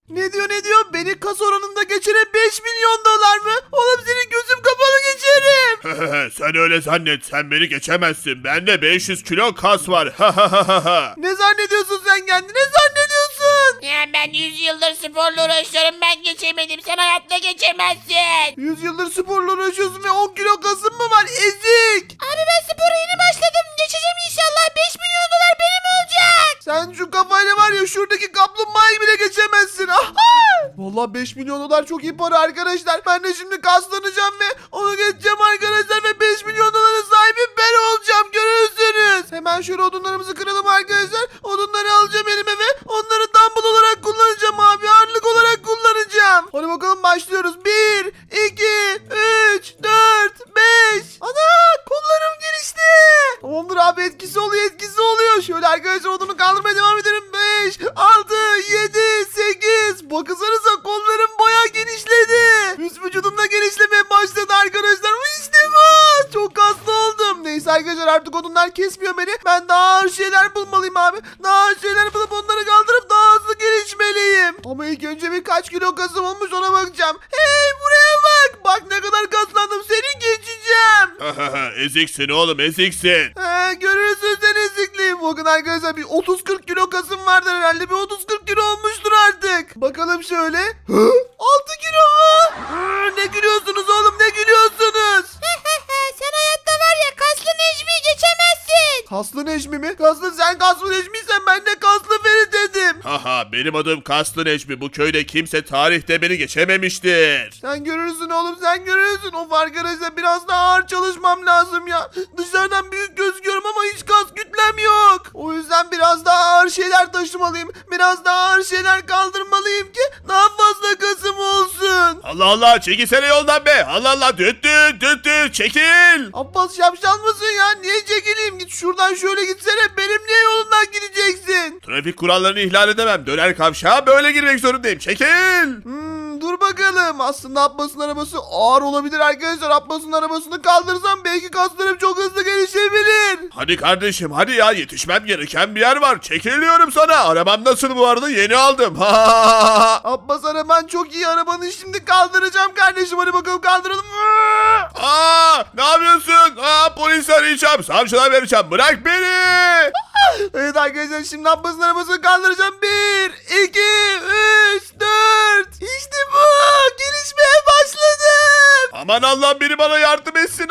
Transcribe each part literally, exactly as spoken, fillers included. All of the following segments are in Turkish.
Ne diyor ne diyor? Beni kas oranında geçiren beş milyon dolar mı? Oğlum senin gözüm kapalı geçerim. Sen öyle zannet, sen beni geçemezsin. Bende beş yüz kilo kas var. Ne zannediyorsun sen kendini? Ne zannediyorsun? Ya ben yüz yıldır sporla uğraşıyorum, ben geçemedim, sen hayatta geçemezsin. yüz yıldır sporla uğraşıyorsun ve on kilo kasın mı var? Ezik. Abi ben spora yeni başladım, geçeceğim inşallah, beş milyon dolar benim olacak. Sen şu kafayla var ya şuradaki kaplumbağayı bile geçemezsin. Aha! Vallahi beş milyon dolar çok iyi para arkadaşlar. Ben de şimdi kaslanacağım ve onu geçeceğim arkadaşlar ve beş milyon doların sahibi ben olacağım. Görürsünüz. Hemen şöyle odunlarımızı kıralım arkadaşlar. Odunları alacağım elime ve onları dumbbell olarak kullanacağım abi. Ağırlık olarak kullanacağım. Hadi bakalım başlıyoruz. bir, iki, üç, dört, beş. Ana kollarım gelişti. Tamamdır abi, etkisi oluyor etkisi oluyor. Şöyle arkadaşlar odunu kaldırmaya devam edelim. beş, altı, yedi, sekiz. Bakınsanıza kollarım bayağı genişledi. Üst vücudumda genişlemeye başladı arkadaşlar. İşte bu. Çok kaslı oldum. Neyse arkadaşlar artık odunlar kesmiyor beni. Ben daha ağır şeyler bulmalıyım abi. Daha ağır şeyler bulup onları kaldırıp daha hızlı gelişmeliyim. Ama ilk önce bir kaç kilo kasım olmuş ona bakacağım. Hey buraya bak. Bak ne kadar kaslandım. Seni geçeceğim. Eziksin oğlum, eziksin. He, görürsün sen ezikliğim. Bakın arkadaşlar bir otuz kırk kilo kasım vardır herhalde. Bir otuz kırk kilo olmuştur artık. Bakalım şöyle. altı kilo mu? Hı, ne gülüyorsunuz oğlum, ne gülüyorsunuz? Sen hayatta var ya kaslı Necmi'yi geçemezsin. Kaslı Necmi mi? Kaslı sen kaslı Necmi'ysen ben de kaslı Ferit dedim. Haha, benim adım Kaslı Necmi. Bu köyde kimse tarihte beni geçememiştir. Sen görürsün oğlum, sen görürsün. Of arkadaşlar biraz daha ağır çalışmam lazım ya. Dışarıdan büyük gözüküyorum ama hiç kas kütlem yok. O yüzden biraz daha ağır şeyler taşımalıyım. Biraz daha ağır şeyler kaldırmalıyım ki daha fazla kasım olsun. Allah Allah, çekilsene yoldan be. Allah Allah, düt düt düt düt, çekil. Abbas şapşal mısın ya? Niye çekileyim? Git şuradan şöyle gitsene. Benim niye yolundan gideceksin? Trafik kurallarını ihlal edemem. Döner kavşağa böyle girmek zorundayım. Çekil. Hmm, dur bakalım. Aslında Abbas'ın arabası ağır olabilir arkadaşlar. Abbas'ın arabasını kaldırsam belki kaslarım çok hızlı gelişebilir. Hadi kardeşim, hadi ya, yetişmem gereken bir yer var. Çekil diyorum sana. Arabam nasıl bu arada? Yeni aldım. Abbas araban çok iyi. Arabanı şimdi kaldıracağım kardeşim. Hadi bakalım kaldıralım. Aa, ne yapıyorsun? Aa, polis arayacağım. Savcılar vereceğim. Bırak beni. Evet arkadaşlar şimdi Abbas'ın arabasını kaldıracağım. bir, iki, üç, dört. İşte bu. Gelişmeye başladım. Aman Allah, biri bana yardım etsin.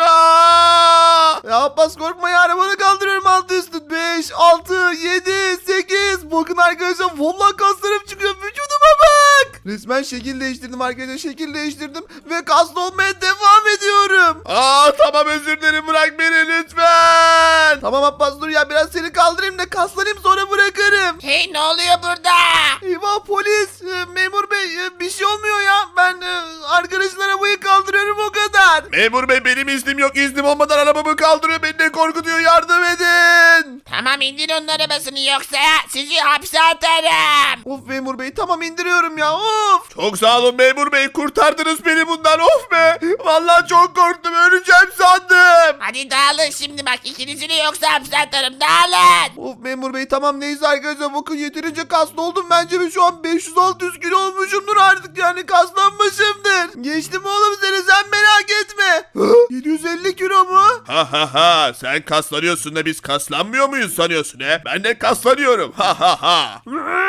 Aa! Ya Abbas korkma ya, arabanı kaldırıyorum altı üstü. beş, altı, yedi, sekiz. Bakın arkadaşlar vallahi kaslarım çıkıyor. Vücuduma bak. Resmen şekil değiştirdim arkadaşlar. Şekil değiştirdim ve kaslı olmaya devam ediyorum. Aa, tamam, özür dilerim, bırak beni lütfen. Tamam Abbas dur ya, biraz seni kaldırayım da kaslanayım sonra bırakırım. Hey ne oluyor burada? Eyvah polis, e, memur bey e, bir şey olmuyor ya. Ben e, arkadaşın arabayı kaldırıyorum o kadar. Memur bey, benim iznim yok. İznim olmadan arabamı kaldırıyor. Beni de korkutuyor. Yardım edin. Tamam indir onun arabasını yoksa sizi hapse atarım. Of memur bey tamam indiriyorum ya of. Çok sağ olun memur bey. Kurtardınız beni bundan. Of be. Vallahi çok korktum. Öleceğim sandım. Hadi dağılın şimdi bak, ikinizi de yoksa hapse atarım, dağılın. Of memur bey tamam neyse arkadaşlar bakın yeterince kaslı oldum. Bence ben şu an beş yüz altı yüz kilo olmuşumdur artık, yani kaslanmışımdır. Geçtim oğlum seni, sen merak etme. Hı? yedi yüz elli kilo mu? Ha ha ha. Sen kaslanıyorsun da biz kaslanmıyor muyuz sanıyorsun he? Ben de kaslanıyorum. Ha ha ha.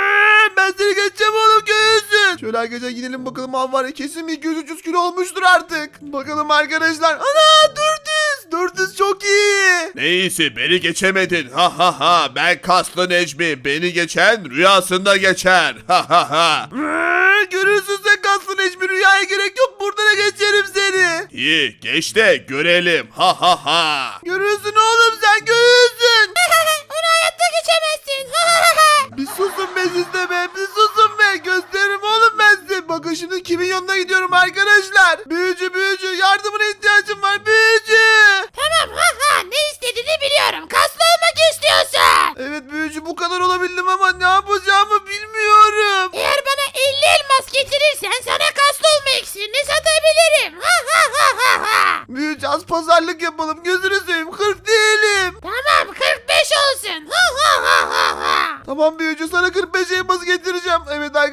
Ben seni geçeceğim oğlum, göğüsün. Şöyle arkadaşlar gidelim bakalım, av var ya kesin iki yüz üç yüz kilo olmuştur artık. Bakalım arkadaşlar. Ana dört yüz. dört yüz çok iyi. Neyse, beni geçemedin. Ha ha ha. Ben Kaslı Necmi. Beni geçen rüyasında geçer. Ha ha ha. Görürsün sen kaslı Necmi, rüyaya gerek yok, burada da geçerim seni. İyi, geç de görelim. Ha ha ha. Görürsün oğlum sen, görürsün. Onu hayatta geçemezsin. Bir susun be siz de be, bir susun be, gösteririm oğlum ben size. Bakın şimdi kimin yanına gidiyorum arkadaşlar. Büyücü büyücü, yardımına ihtiyacım var büyücü. Tamam ha ha, ne istediğini biliyorum, kaslı olmak istiyorsun. Evet büyücü, bu kadar olabildim ama ne yapacağımı bilmiyorum. Eğer bana elli elmas getirirsen sana kaslı olma iksirini satabilirim. Ha ha ha ha ha. Büyücü az pazarlık yapalım, gözünü seveyim, kırk değilim. Tamam kırk beş olsun. Ha ha ha ha ha. Tamam büyücü, sana kırk beş elması getireceğim. Evet arkadaşlar büyücü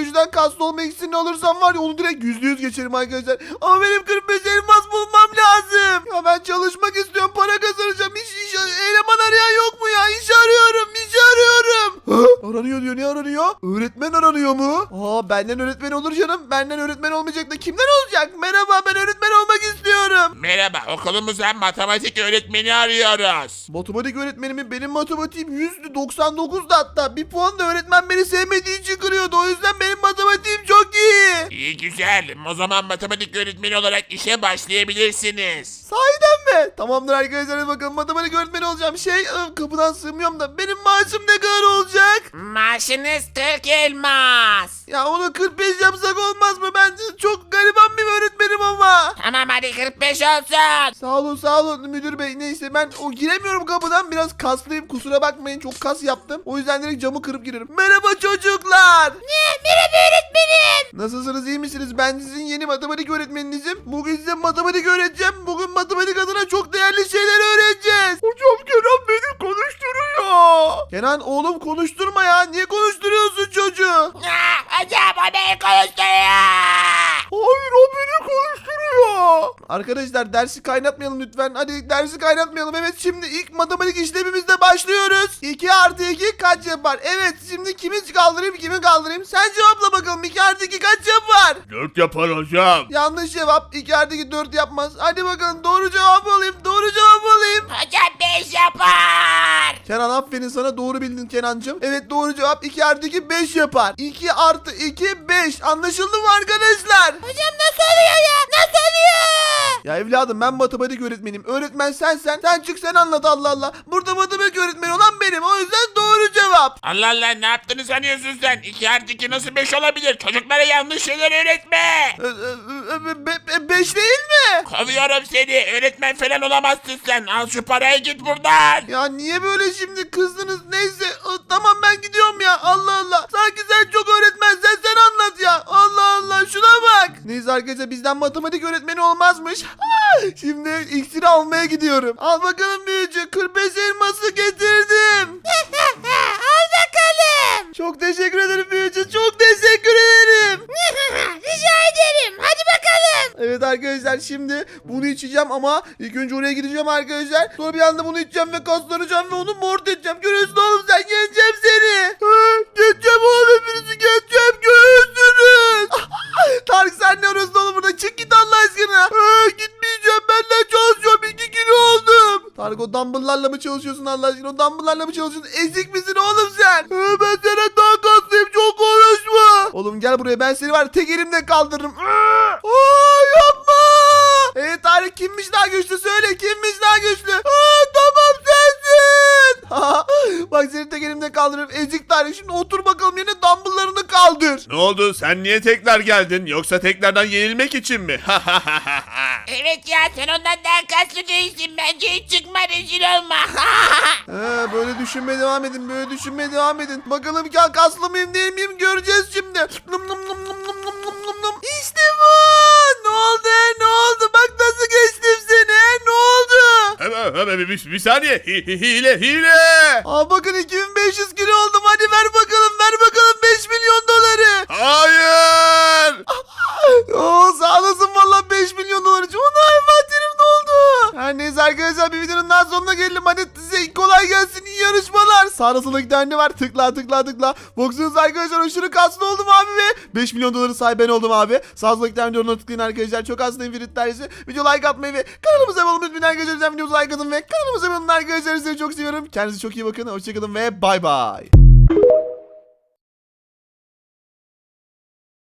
büyücüden kaslı olma iksirini alırsam var ya onu direkt yüzde yüz geçerim arkadaşlar. Ama benim kırk beş elmas bulmam lazım. Ya ben çalışmak istiyorum, para kazanacağım. Hiç, iş eleman arayan yok mu ya? İş arıyorum, iş arıyorum. Ha? Aranıyor diyor, ne aranıyor? Öğretmen aranıyor mu? Aa, benden öğretmen olur canım. Benden öğretmen olmayacak da kimden olacak? Merhaba, ben öğretmen olmak istiyorum. Merhaba, okulumuza matematik öğretmeni arıyoruz. Matematik öğretmenimi, benim matematiğim yüzdü doksan dokuzdu hatta. Bir puan da öğretmen beni sevmediği için kırıyordu. O yüzden benim matematiğim çok iyi. İyi güzel, o zaman matematik öğretmeni olarak işe başlayabilirsiniz. Sahiden mi? Tamamdır arkadaşlar, hadi bakalım matematik öğretmeni olacağım. Şey, ıı, kapıdan sığmıyorum da benim maaşım ne kadar olacak? Maaşınız kırk elmas. Ya onu kırk beş yapsak olmaz mı? Ben çok gariban bir öğretmenim ama. Tamam hadi kırk beş olsun. Sağ olun sağ olun müdür bey. Neyse ben o giremiyorum kapıdan, biraz kaslıyım, kusura bakmayın, çok kas yaptım. O yüzden direkt camı kırıp girerim. Merhaba çocuklar. Ne? Merhaba öğretmenim. Nasılsınız, iyi misiniz? Ben sizin yeni matematik öğretmeninizim. Bugün size matematik öğreteceğim. Bugün matematik adına çok değerli şeyler öğreneceğiz. Hocam Kenan beni konuşturuyor. Kenan oğlum konuşturma ya. Niye konuşturuyorsun çocuğu? Ah, hocam o beni konuşturuyor. Hayır, o beni konuşturuyor. Arkadaşlar dersi kaynatmayalım lütfen. Hadi dersi kaynatmayalım. Evet, şimdi ilk matematik işlemimizde başlıyoruz. iki artı iki kaç yapar? Evet, şimdi kimi kaldırayım kimi kaldırayım? Sen cevapla bakalım. iki artı iki kaç yapar? Dört yapar hocam. Yanlış cevap. iki artı iki dört yapmaz. Hadi bakalım doğru cevap alayım. Doğru cevap alayım. Hocam beş yapar. Kenan aferin sana, doğru bildin Kenancığım. Evet, doğru cevap iki artı iki beş yapar. iki artı iki beş. Anlaşıldı mı arkadaşlar? Hocam nasıl oluyor ya? Nasıl oluyor? Ya evladım, ben matematik öğretmenim. Öğretmen sensen. Sen çık sen anlat, Allah Allah. Burada matematik öğretmeni olan benim. O yüzden doğru cevap. Allah Allah, ne yaptığını sanıyorsun sen? iki artı iki nasıl beş olabilir? Çocuklara yanlış şeyler öğretme. Ee, e, e, be- be- beş değil mi? Kovuyorum seni, öğretmen falan olamazsın sen. Al şu parayı, git buradan. Ya niye böyle şimdi kızdınız? Neyse, ı, tamam ben gidiyorum ya. Allah Allah. Sanki sen çok öğretmensen sen anlat ya. Allah Allah, şuna bak. Neyse arkadaşlar, bizden matematik öğretmeni olmazmış. Şimdi iksiri almaya gidiyorum. Al bakalım büyücü, kırk beş elması getirdim. Al bakalım. Çok teşekkür ederim büyücü. Çok teşekkür ederim. Rica ederim. Hadi bakalım. Evet arkadaşlar, şimdi bunu içeceğim ama ilk önce oraya gideceğim arkadaşlar. Sonra bir anda bunu içeceğim ve kaslanacağım ve onu mort edeceğim. Görüyorsun oğlum, sen, yeneceğim seni. Ha, geçeceğim oğlum, hepinizi geçeceğim, görürsünüz. Tarık sen ne arıyorsun oğlum burada? Çık git Allah aşkına. Ha, gitmeyeceğim, benden çalışıyorum, iki kilo oldum. Tarık, o dumbbell'larla mı çalışıyorsun Allah aşkına? O dumbbell'larla mı çalışıyorsun? Ezik misin oğlum sen? Ha, ben sana daha kaslıyım, çok konuşma. Oğlum gel buraya, ben seni var tek elimle kaldırırım. Aa, yapma. Evet Tarık, kimmiş daha güçlü, söyle kimmiş daha güçlü? Aa, tamam sensin. Bak seni tek elimle kaldırırım, ezik Tarık. Şimdi otur bakalım yerine, dumbbell'larını kaldır. Ne oldu? Sen niye tekrar geldin? Yoksa tekrardan yenilmek için mi? Evet ya, sen ondan daha kaslı değilsin. Bence hiç çıkma, rezil olma. He, böyle düşünmeye devam edin, böyle düşünmeye devam edin. Bakalım ya, kaslı mıyım değil miyim, göreceğiz şimdi. Num num num num num num num num num. İşte bu. Ne oldu ne oldu? Bak nasıl geçtim seni. Ne oldu? Hemen hemen bir, bir saniye. Hi- hi- Hile hile. Aa, bakın iki bin beş yüz kilo oldum. Hadi ver bakalım, ver bakalım beş milyon doları. Hayır. Oo, sağ olasın valla, beş milyon dolar için. Ona envanterim doldu. Her neyse arkadaşlar, bir videonun daha sonuna gelelim. Hadi size kolay gelsin, iyi yarışmalar. Sağda solda iki tane var, tıkla tıkla tıkla. Baksanıza arkadaşlar, aşırı kaslı oldum abi ve beş milyon doların sahibi ben oldum abi. Sağda solda iki tane videonun tıklayın arkadaşlar. Çok hastayım Ferit dersi. Video like atmayı ve kanalımıza abone olmayı unutmayın arkadaşlar. Videomuza like atın ve kanalımıza abone olun arkadaşlar. Sizi çok seviyorum. Kendinize çok iyi bakın. Hoşçakalın ve bay bay.